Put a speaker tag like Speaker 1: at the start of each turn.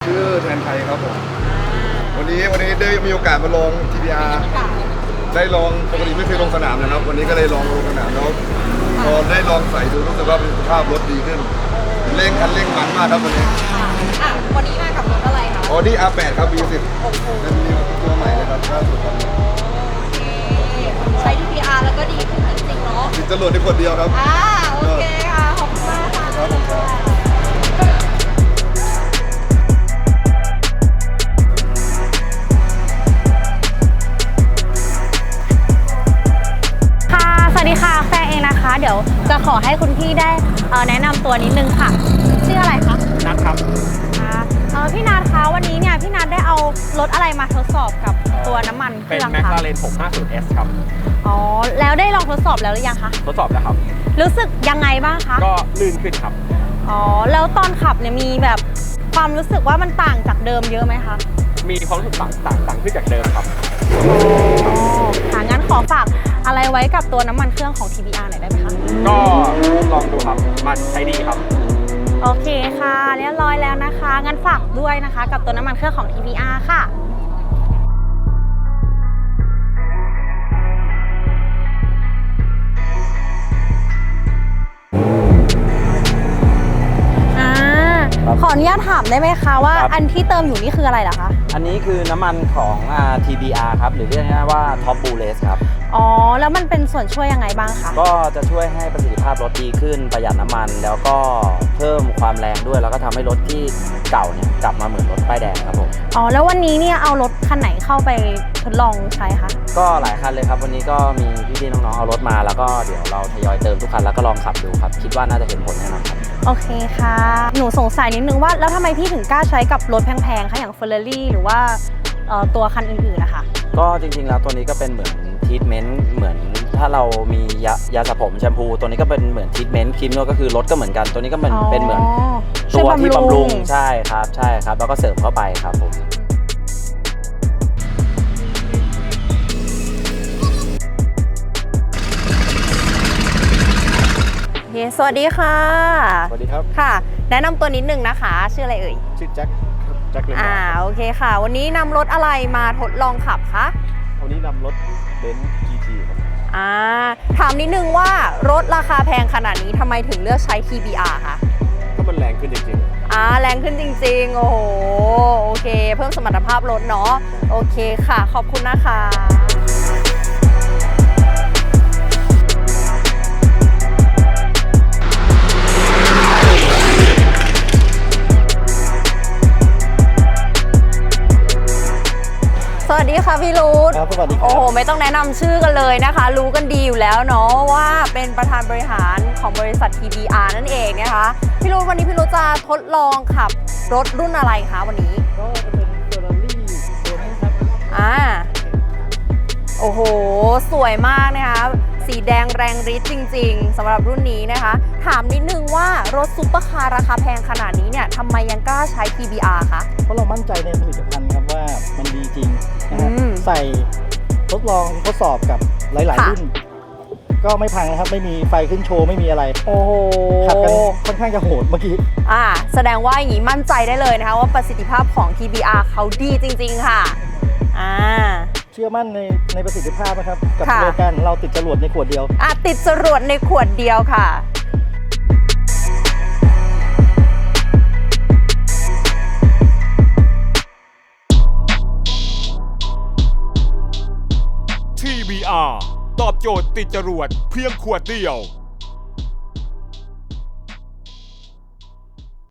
Speaker 1: ชื่อแทนไทยครับผมวันนี้ได้มีโอกาสมาลง TBR ได้ลองปกติไม่เคยลงสนามนะครับวันนี้ก็เลยลองลงสนามแล้วพอได้ลองใส่ดูรู้สึกว่าประสิทธิภาพรถดีขึ้นเร่งมันมากครับวันนี้
Speaker 2: วันนี้มากับรถอะไรคะ
Speaker 1: Audi R8 ครับ V10 เป็นตัวใหม่เลยครับล่าสุดตอนนี้
Speaker 2: ใช้ TBR แล้วก็ดีขึ้นจริงๆเนาะ
Speaker 1: ติดจรวดในคนเดียวครับ
Speaker 2: โอเคค่ะขอบคุณมากค่ะ
Speaker 1: ครับผมครับ
Speaker 2: สวัสดีค่ะแฟนเองนะคะเดี๋ยวจะขอให้คุณพี่ได้แนะนำตัวนิดนึงค่ะชื่ออะไรคะ
Speaker 3: นัทครับ
Speaker 2: พี่นัทคะวันนี้เนี่ยพี่นัทได้เอารถอะไรมาทดสอบกับตัวน้ำมันเครื่องคะ
Speaker 3: เป็น McLaren 650S ครับ
Speaker 2: แล้วได้ลองทดสอบแล้วหรือยังคะ
Speaker 3: ทดสอบแล้วครับ
Speaker 2: รู้สึกยังไงบ้างคะ
Speaker 3: ก็ลื่นขึ้นครับ
Speaker 2: แล้วตอนขับเนี่ยมีแบบความรู้สึกว่ามันต่างจากเดิมเยอะไหมคะ
Speaker 3: มีความรู้สึกต่างขึ้นจากเดิมครับ
Speaker 2: งั้นขอฝากอะไรไว้กับตัวน้ำมันเครื่องของ TBR หน่อยได้ไหมคะ
Speaker 3: ก็ลองดูครับมันใช้ดีครับ
Speaker 2: โอเคค่ะเรียบร้อยแล้วนะคะงั้นฝากด้วยนะคะกับตัวน้ำมันเครื่องของ TBR ค่ะขออนุญาตถามได้ไหมคะว่าอันที่เติมอยู่นี่คืออะไรเหรอคะ
Speaker 4: อันนี้คือน้ำมันของ TBR ครับหรือเรียกง่ายๆว่า Top Bullet ครับ
Speaker 2: แล้วมันเป็นส่วนช่วยยังไงบ้างคะ
Speaker 4: ก็จะช่วยให้ประสิทธิภาพรถดีขึ้นประหยัดน้ำมันแล้วก็เพิ่มความแรงด้วยแล้วก็ทำให้รถที่เก่าเนี่ยกลับมาเหมือนรถป้ายแดงครับผม
Speaker 2: แล้ววันนี้เนี่ยเอารถคันไหนเข้าไปทดลองใช้คะ
Speaker 4: ก็หลายคันเลยครับวันนี้ก็มีพี่ๆน้องๆเอารถมาแล้วก็เดี๋ยวเราทยอยเติมทุกคันแล้วก็ลองขับดูครับคิดว่าน่าจะเห็นผลแน่นอนครับ
Speaker 2: โอเคค่ะหนูสงสัยนิดนึงว่าแล้วทำไมพี่ถึงกล้าใช้กับรถแพงๆคะอย่าง Ferrari หรือว่าตัวคันอื่นๆนะคะ
Speaker 4: ก็จริงๆแล้วตัวนี้ก็เป็นเหมือนทรีทเมนต์เหมือนถ้าเรามียาสระผมแชมพูตัวนี้ก็เป็นเหมือนทรีทเมนต์ครีมนวดก็คือรถก็เหมือนกันตัวนี้ก็เป็นเหมือนตัวที่บำรุงใช่ครับแล้วก็เสริมเข้าไปครับผม
Speaker 2: สวัสดีค่ะ
Speaker 1: สวัสดีครับ
Speaker 2: ค่ะแนะนำตัวนิดนึงนะคะชื่ออะไรเอ่ย
Speaker 1: ชื่อแจ็คเลมา
Speaker 2: โอเคค่ะวันนี้นำรถอะไรมาทดลองขับคะ
Speaker 1: วันนี้นำรถเบนซ์ GT ครับ
Speaker 2: ถามนิดนึงว่ารถราคาแพงขนาดนี้ทำไมถึงเลือกใช้ TBR คะ
Speaker 1: ก็มันแรงขึ้นจริง
Speaker 2: ๆแรงขึ้นจริงๆโอ้โหโอเคเพิ่มสมรรถภาพรถเนาะโอเคค่ะขอบคุณนะคะสวัสดีค่ะพี่รุธ
Speaker 1: ครับสวัสดีครับ
Speaker 2: โอ้โหไม่ต้องแนะนำชื่อกันเลยนะคะรู้กันดีอยู่แล้วเนาะว่าเป็นประธานบริหารของบริษัท TBR นั่นเองนะคะพี่รุธวันนี้พี่รุธจะทดลองขับรถรุ่นอะไรคะวันนี้
Speaker 1: ก็จะเป็น Ferrari ตัวนี้ครับ
Speaker 2: โอ้โหสวยมากนะคะสีแดงแรงฤทธิ์จริงๆสำหรับรุ่นนี้นะคะถามนิดนึงว่ารถซุปเปอร์คาร์ราคาแพงขนาดนี้เนี่ยทำไมยังกล้าใช้ TBR คะ
Speaker 5: เพราะเรามั่นใจในผลิตภัณฑ์ครับว่ามันดีจริงนะครับใส่ทดสอบกับหลายๆรุ่นก็ไม่พังนะครับไม่มีไฟขึ้นโชว์ไม่มีอะไร
Speaker 2: โอ้โห
Speaker 5: ขับกันค่อนข้างจะโหดเมื่อกี้
Speaker 2: แสดงว่าอย่างนี้มั่นใจได้เลยนะคะว่าประสิทธิภาพของ TBR เขาดีจริงๆค่ะ
Speaker 5: เชื่อมั่นในประสิทธิภาพนะครับกับโลแกนเราติดจรวดในขวดเดียว
Speaker 2: ติดจรวดในขวดเดียวค่ะ
Speaker 6: TBR ตอบโจทย์ติดจรวดเพียงขวดเดียว